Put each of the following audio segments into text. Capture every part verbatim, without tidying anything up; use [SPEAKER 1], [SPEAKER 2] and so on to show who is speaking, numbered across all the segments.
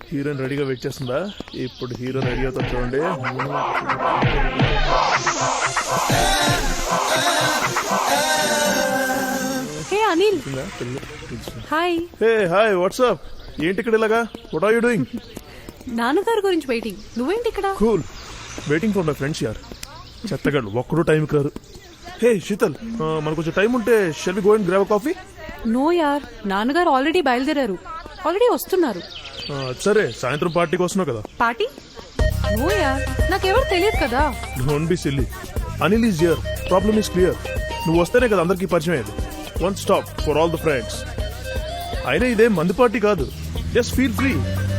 [SPEAKER 1] Heroine రెడీగా wait చేస్తుందా? ఇప్పుడు హీరో రెడీ అవుతా చూడండి.
[SPEAKER 2] Hey Anil, hi.
[SPEAKER 1] Hey hi, what's up? ఏంటి ఇక్కడ ఇలాగా? What are you doing?
[SPEAKER 2] నాన్నగారి గురించి వెయిటింగ్. నువ్వేంటి ఇక్కడ?
[SPEAKER 1] Cool, waiting for my friends యార్. చెత్తగాడు ఒక్కడూ టైంకి రారు. హే శీతల్, మనకు కొంచెం టైం ఉంటే shall we go and grab coffee?
[SPEAKER 2] No యార్, నాన్నగారు ఆల్రెడీ బయలుదేరారు. ఆల్రెడీ వస్తున్నారు.
[SPEAKER 1] సరే, సాయంత్రం పార్టీకి వస్తున్నావు కదా?
[SPEAKER 2] పార్టీ? నో యార్, నాకెవరు తెలియదు కదా.
[SPEAKER 1] Don't be silly. Anil is here. Problem is clear. నువ్వు వస్తేనే కదా అందరికీ పరిచయం అయ్యేది. One stop for all the friends. అయినా ఇదే మందు పార్టీ కాదు. Just feel free.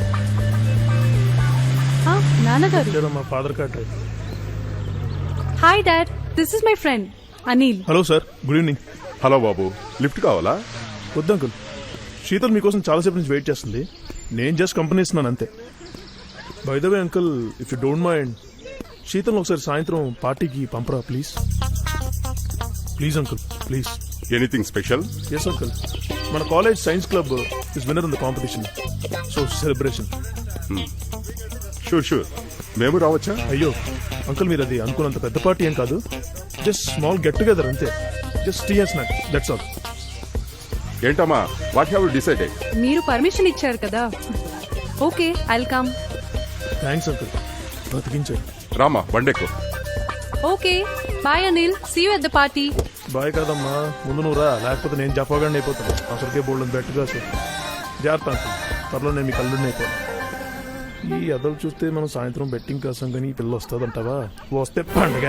[SPEAKER 2] నాన్నగారు,
[SPEAKER 1] మా father card.
[SPEAKER 2] Hi dad, this is my friend Anil.
[SPEAKER 1] Hello sir, good evening.
[SPEAKER 3] Hello బాబు, లిఫ్ట్ కావాలా?
[SPEAKER 1] వద్దు అంకుల్, శీతల్ మీకోసం చాలాసేపు నుంచి వెయిట్ చేస్తుంది. నేను జస్ట్ కంపెనీ ఇస్తున్నాను అంతే. By the way uncle, if you don't mind, Sheetal ఒకసారి సాయంత్రం పార్టీకి పంపరా please. Please uncle, please.
[SPEAKER 3] Anything special?
[SPEAKER 1] Yes uncle, మన college science club is winner in the competition, so celebration.
[SPEAKER 3] Sure sure, మేము రావచ్చా?
[SPEAKER 1] అయ్యో అంకుల్, మీరు అది అనుకున్నంత పెద్ద పార్టీ ఏం కాదు. జస్ట్ స్మాల్ గెట్ టుగెదర్ అంతే. Just tea and snacks, that's all.
[SPEAKER 3] ఏంటమ్మా, వాట్ హ్యావ్ యు డిసైడెడ్?
[SPEAKER 2] మీరు పర్మిషన్ ఇచ్చారు కదా. Okay, I'll come.
[SPEAKER 1] Thanks uncle, బతికించారు.
[SPEAKER 3] రామా, బండెక్కు.
[SPEAKER 2] Okay, bye Anil, see you at the party.
[SPEAKER 1] Bye కాదమ్మా, ముందు నువ్వు రా, లేకపోతే నేను చెప్పగానే అయిపోతాను. అసలుకే బోల్డ్ బెట్గా సార్. జాగ్రత్త అంకుల్, త్వరలో నేను మీ కళ్ళు అయిపోతాను. ఈ అదలు చూస్తే మనం సాయంత్రం బెట్టింగ్ కోసం కానీ ఈ పిల్ల వస్తుందంటావా? వస్తే పండుగ.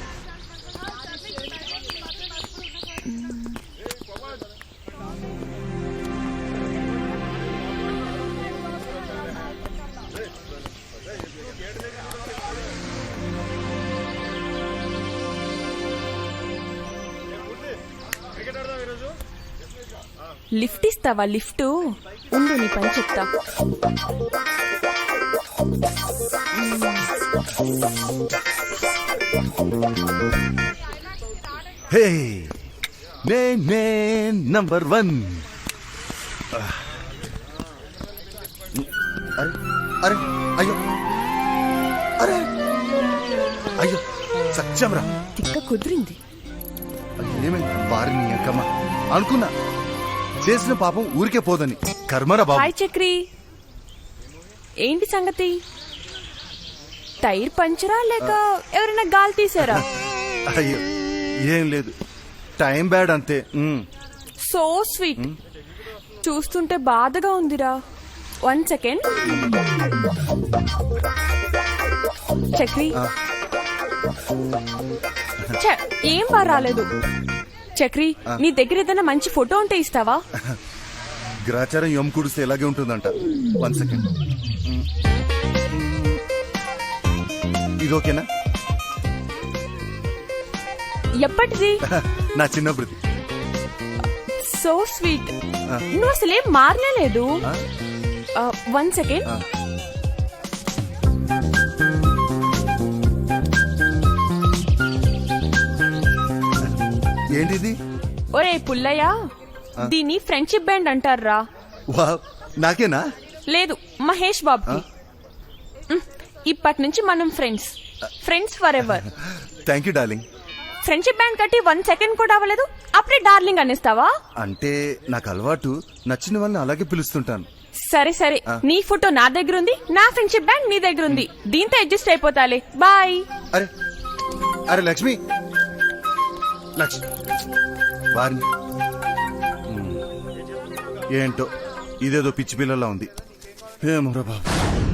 [SPEAKER 4] లిఫ్ట్ ఇస్తావా? లిఫ్ట్ ఉండు, నీ పని చెప్తా.
[SPEAKER 5] హే, నే నే నంబర్ వన్. అరే అరే, అయ్యో అరే, అయ్యో సత్యంరా.
[SPEAKER 4] తిక్క కుదిరింది.
[SPEAKER 5] ఏమైంది? వారిని అక్కమ్మ అనుకున్నా, చేసిన పాపం ఊరికే పోదని. కర్మరా బాబు.
[SPEAKER 4] హాయ్ చక్రి, ఏంటి సంగతి? టైర్ పంచరా లేక ఎవరైనా గాలి తీసారా?
[SPEAKER 5] అయ్యో ఏం లేదు, టైం బ్యాడ్ అంతే. ఉమ్.
[SPEAKER 4] So sweet. చూస్తుంటే బాధగా ఉందిరా. One second. చక్రి, ఛ, ఏం బా రాలేదు. చక్రి, నీ దగ్గర ఏదైనా మంచి ఫోటో ఉంటే ఇస్తావా?
[SPEAKER 5] గ్రాచారం ఎం కుడిస్తే ఎలాగే ఉంటుందంట. One second. ఇది ఓకేనా?
[SPEAKER 4] ఎప్పటిది?
[SPEAKER 5] నా చిన్నప్పుడు.
[SPEAKER 4] So sweet. నువ్వు అసలేం మారలేదు. One second.
[SPEAKER 5] ఏంటిది?
[SPEAKER 4] ఒరే పుల్లయ్య, దీన్ని ఫ్రెండ్షిప్ బ్యాండ్ అంటారా?
[SPEAKER 5] వావ్, నాకేనా?
[SPEAKER 4] లేదు, మహేష్ బాబు. ఇప్పటి నుంచి మనం friends, friends for ever.
[SPEAKER 5] Thank you darling.
[SPEAKER 4] Friendship band కట్టి వన్ సెకండ్ కూడా అవ్వలేదు, అప్పుడే డార్లింగ్ అనేస్తావా?
[SPEAKER 5] అంటే నాకు అలవాటు, నచ్చిన వాళ్ళని అలాగే పిలుస్తుంటాను.
[SPEAKER 4] సరే సరే, నీ ఫోటో నా దగ్గర ఉంది, నా ఫ్రెండ్షిప్ బ్యాండ్ నీ దగ్గర ఉంది. దీంతో అడ్జస్ట్ అయిపోతాలే. బాయ్.
[SPEAKER 5] అరే అరే లక్ష్మి, లక్ష్మి వారిని. ఏంటో ఇదేదో పిచ్చి పిల్లలా ఉంది. ఏమోరా బాబు.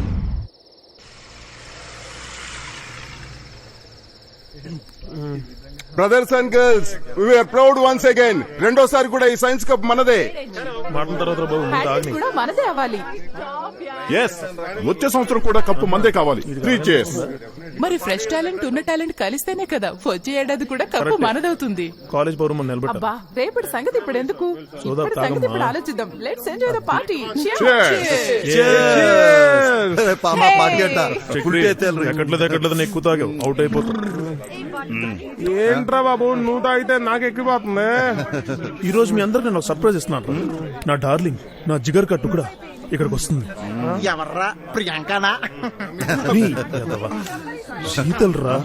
[SPEAKER 3] Brothers and girls, we are proud once again. రెండోసారి కూడా ఈ సైన్స్ కప్ మనదే.
[SPEAKER 1] మాటల తర్వాత బాబు ముందు ఆగ్ని.
[SPEAKER 2] కూడా మనదే అవ్వాలి.
[SPEAKER 3] ఎస్, వచ్చే సంవత్సరం కూడా కప్పు మందే కావాలి. Three cheers.
[SPEAKER 6] మరి ఫ్రెష్ టాలెంట్ ఉన్న టాలెంట్ కలిస్తేనే కదా వచ్చే ఏడాది కూడా కప్పు మనదవుతుంది.
[SPEAKER 1] కాలేజ్ పౌరం నిలబెట్టారు.
[SPEAKER 6] అబ్బా, రేపటి సంగతి ఇప్పుడు ఎందుకు?
[SPEAKER 1] సోదా
[SPEAKER 6] ఇప్పటి
[SPEAKER 1] తాగమ్మా.
[SPEAKER 6] సంగతి ఇప్పుడు ఆలోచిద్దాం. Let's enjoy the party.
[SPEAKER 5] పాప పార్టీ అంట.
[SPEAKER 1] ఎక్కట్లేదు ఎక్కట్లేదు ఎక్కువ తాగావు, అవుట్ అయిపోతావు.
[SPEAKER 7] ఏంట్రా బాబు, నువ్వు తాగితే నాకు ఎక్కిపోతుంది.
[SPEAKER 1] ఈ రోజు మీ అందరికి నేను సర్ప్రైజ్ ఇస్తున్నాను. నా డార్లింగ్, నా జిగర్ కట్టు కూడా ఇక్కడికి వస్తుంది
[SPEAKER 8] ఎవర్రా ప్రియాంకనా
[SPEAKER 1] నీ ఎదవ. శీతల్ రా.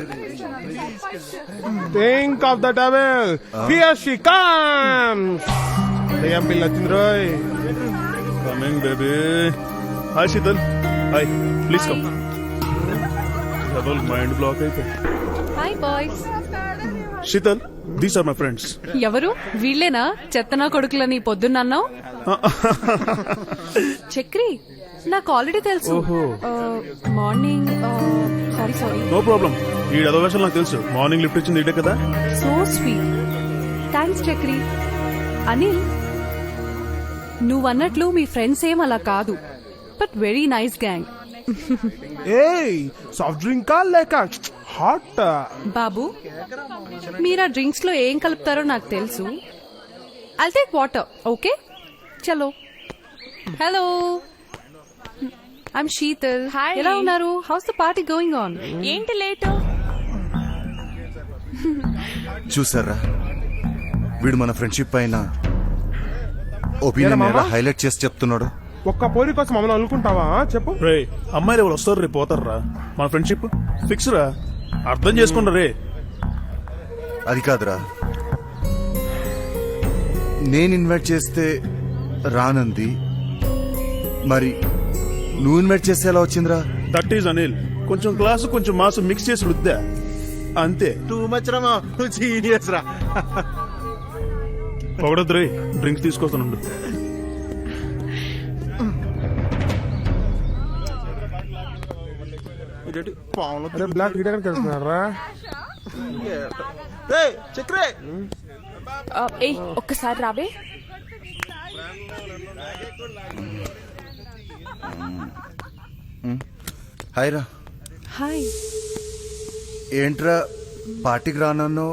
[SPEAKER 7] Think of the devil here she comes దయ్యం పిల్ల వచ్చింది రోయ్
[SPEAKER 1] coming baby. Hi Sheetal. Hi, please come. Double mind block అయితే.
[SPEAKER 2] Hi boys.
[SPEAKER 1] Sheetal, these are my friends.
[SPEAKER 2] ఎవరు వీళ్ళేనా చెత్తనా కొడుకులని పొద్దున్నన్నావు? చక్రి, నాకు ఆల్రెడీ తెలుసు.
[SPEAKER 1] ఓహో.
[SPEAKER 2] Morning sorry sorry
[SPEAKER 1] no problem. ఈ అదవేషన్ నాకు తెలుసు. మార్నింగ్ లిఫ్ట్ ఇచ్చింది ఇదే కదా.
[SPEAKER 2] So sweet. Thanks Chakri. Anil, నువ్వన్నట్లు మీ ఫ్రెండ్స్ ఏం అలా కాదు, బట్ వెరీ నైస్ గ్యాంగ్.
[SPEAKER 7] ఏయ్ సాఫ్ట్ డ్రింక్ కా లేక హాట్?
[SPEAKER 2] బాబు, మీరు ఆ డ్రింక్స్ లో ఏం కలుపుతారో నాకు తెలుసు. I'll take water, okay? చలో. Hello, I'm Sheetal.
[SPEAKER 4] Hi.
[SPEAKER 2] ఎలా ఉన్నారు? How's the party going on?
[SPEAKER 4] ఏంటి లేటు?
[SPEAKER 5] చూసారా, వీడు మన ఫ్రెండ్షిప్ పైన ఒపీనియన్
[SPEAKER 7] ఏరా మామ?
[SPEAKER 5] హైలైట్ చేసి చెప్తున్నాడు.
[SPEAKER 7] ఒక్క పోరి కోసం మమ్మల్ని అనుకుంటావా చెప్పు?
[SPEAKER 1] రే, అమ్మాయిలు ఎవరు వస్తారు రే పోతారు రా. మన ఫ్రెండ్షిప్ ఫిక్స్ రా. అర్థం చేసుకుంటా రే.
[SPEAKER 5] అది కాదురా, నేను ఇన్వైట్ చేస్తే రానంది, మరి నువ్వు ఇన్వైట్ చేస్తే ఎలా వచ్చిందిరా?
[SPEAKER 1] That is Anil. కొంచెం క్లాసు కొంచెం మాసు మిక్స్ చేసి రుద్దా అంతే.
[SPEAKER 8] టూ మచ్ రా జీనియస్ రా.
[SPEAKER 1] పొగడద్దు రే, డ్రింక్స్ తీసుకొస్తానుండు.
[SPEAKER 7] అరే బ్లాక్ హీట్ ఎక్కడ కలుస్తున్నారా?
[SPEAKER 8] చక్రే
[SPEAKER 4] ఏ ఒక్కసారి రావే.
[SPEAKER 5] హాయ్ రా.
[SPEAKER 2] హాయ్.
[SPEAKER 5] ఏంట్రా పార్టీకి రానన్ను,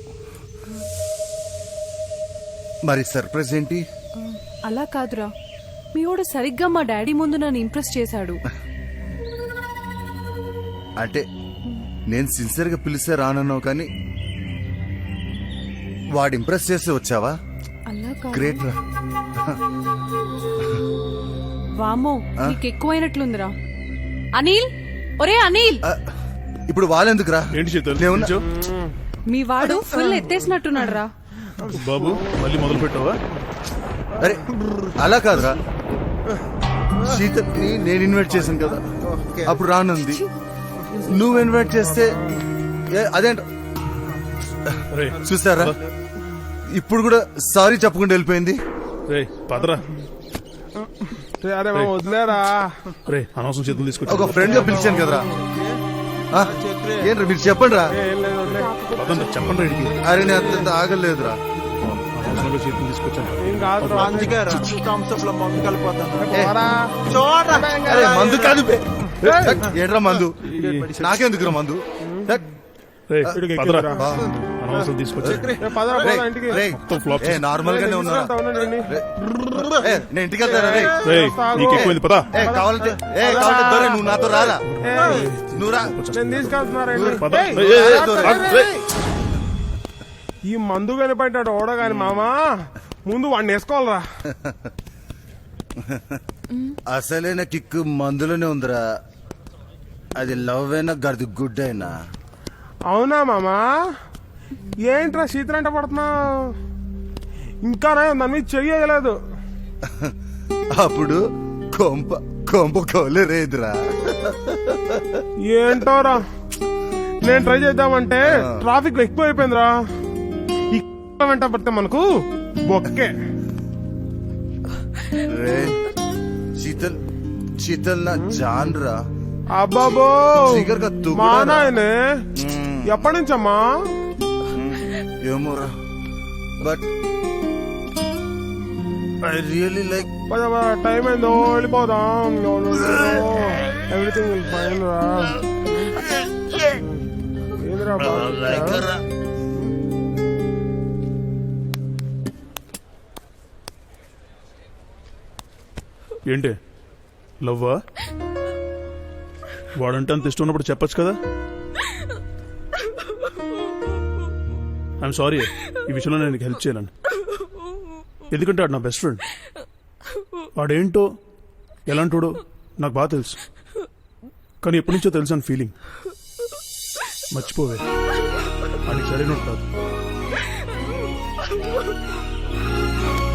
[SPEAKER 5] మరి సర్ప్రైజ్ ఏంటి?
[SPEAKER 2] అలా కాదురా, మీ వాడు సరిగ్గా మా డాడీ ముందు నన్ను ఇంప్రెస్ చేశాడు.
[SPEAKER 5] అంటే నేను సిన్సియర్ గా పిలిస్తే రానన్నావు, కానీ వాడు ఇంప్రెస్ చేస్తే వచ్చావా?
[SPEAKER 2] అలా కాదు.
[SPEAKER 5] గ్రేట్ రా.
[SPEAKER 2] వామో, నీకు ఎక్కువైనట్లుందిరా. అనిల్, ఒరే అనిల్,
[SPEAKER 5] ఆ, ఇప్పుడు వాళ్ళెందుకురా?
[SPEAKER 1] ఏంటి శీతల్?
[SPEAKER 5] నేనున్నా.
[SPEAKER 1] నిల్చో.
[SPEAKER 2] మీ వాడు ఫుల్ ఎత్తేసినట్టున్నాడు రా.
[SPEAKER 1] బాబు, మళ్ళీ మొదలు పెట్టావా?
[SPEAKER 5] అరే అలా కాదురా, శీతల్ని నేను ఇన్వైట్ చేశాను కదా, అప్పుడు రానుంది. నువ్వు ఇన్వైట్ చేస్తే ఏ, అదేంట
[SPEAKER 1] రే
[SPEAKER 5] చూస్తారా, ఇప్పుడు కూడా సారీ చెప్పకుండా వెళ్ళిపోయింది.
[SPEAKER 1] రే పదరా.
[SPEAKER 7] అరే మామ వదిలేరా.
[SPEAKER 1] రే అనవసరం చేతులు
[SPEAKER 5] ఒక
[SPEAKER 1] తీసుకొచ్చి
[SPEAKER 5] ఫ్రెండ్ గా పిలిచాను కదరా. ఆ, ఏంట్రా మీరు చెప్పండి రా.
[SPEAKER 7] ఏం లేదు వదిలే.
[SPEAKER 1] పదండి, చెప్పండి రేడికి.
[SPEAKER 5] అరే నేను అంత ఆగలేదురా.
[SPEAKER 1] అనవసరంగా చేతులు తీసుకొచ్చాను.
[SPEAKER 7] ఏం కాదు రా.
[SPEAKER 8] అందుకే థమ్స్అప్ లో మందు కలిపోతాను.
[SPEAKER 7] పోరా.
[SPEAKER 8] చూడరా
[SPEAKER 5] అరే మందు కాదు బే. ఏంట్రా మందు? నాకెందుకురా మందు?
[SPEAKER 1] రే
[SPEAKER 7] ఇక్కడికి
[SPEAKER 1] పదరా.
[SPEAKER 7] ఎక్కిరా.
[SPEAKER 5] బా.
[SPEAKER 1] అనవసరం తీసుకొచ్చి
[SPEAKER 7] ఏ పదరా
[SPEAKER 5] రేయ్,
[SPEAKER 7] పోరా ఇంటికి.
[SPEAKER 5] రేయ్,
[SPEAKER 1] మొత్తం ఫ్లాప్
[SPEAKER 5] ఏ నార్మల్ గానే ఉన్నారా?
[SPEAKER 7] తీసుకెళ్తా ఉన్నాడు ఈయన్ని.
[SPEAKER 5] ఏ, నేను ఇంటికి వెళ్తారా? రేయ్.
[SPEAKER 1] రే నీకు ఎక్కువైంది పదా.
[SPEAKER 5] ఏ కావాలంటే ఏ కావాలంటే దొరే నువ్వు నాతో రారా.
[SPEAKER 7] ఏయ్,
[SPEAKER 5] నువ్వు రా.
[SPEAKER 7] నేను తీసుకెళ్తున్నారా ఇంటికి.
[SPEAKER 1] పద.
[SPEAKER 7] ఏయ్,
[SPEAKER 1] ఏయ్, ఏయ్,
[SPEAKER 5] దొరే.
[SPEAKER 1] ఆగు, రేయ్.
[SPEAKER 7] ఈ మందు కనిపెట్టాడు ఓడగాని మామా, ముందు వాడిని వేసుకోవాలరా.
[SPEAKER 5] అసలైన కిక్కు మందులోనే ఉందిరా. అది లవ్ అయినా గది గుడ్ అయినా.
[SPEAKER 7] అవునా మామా? ఏంట్రా శీతలంట పడుతున్నావు? ఇంకా దాని మీద చెయ్యలేదు.
[SPEAKER 5] అప్పుడు కొంప కొంప కోలేరేదిరా.
[SPEAKER 7] ఏంటోరా, నేను ట్రై చేద్దామంటే ట్రాఫిక్ ఎక్కువ అయిపోయిందిరా. ఈ వెంట పడితే మనకు బొక్కే.
[SPEAKER 5] రే శీతల్, శీతల్ నా జాన్ రా.
[SPEAKER 7] అబ్బాబో
[SPEAKER 5] జిగర్ కా తుగుడా
[SPEAKER 7] మా
[SPEAKER 5] రా.
[SPEAKER 7] నాయనే, ఎప్పటి నుంచమ్మా?
[SPEAKER 5] ఏమోరా, బట్ ఐ రియలీ లైక్.
[SPEAKER 7] పద పద, టైం అయిందో, వెళ్ళిపోదాం. ఎవ్రీథింగ్ విల్ ఫైన్ రా. ఏందిరా బాగా?
[SPEAKER 1] ఏంటి లవ్వా? వాడంటే అంత ఇష్టం ఉన్నప్పుడు చెప్పొచ్చు కదా. ఐఎమ్ సారీ, ఈ విషయంలో నేను హెల్ప్ చేయలేను. ఎందుకంటే వాడు నా బెస్ట్ ఫ్రెండ్. వాడేంటో ఎలాంటోడో నాకు బాగా తెలుసు, కానీ ఎప్పటి నుంచో తెలుసు అని ఫీలింగ్. మర్చిపోవే, అది సరైనట్టు కాదు.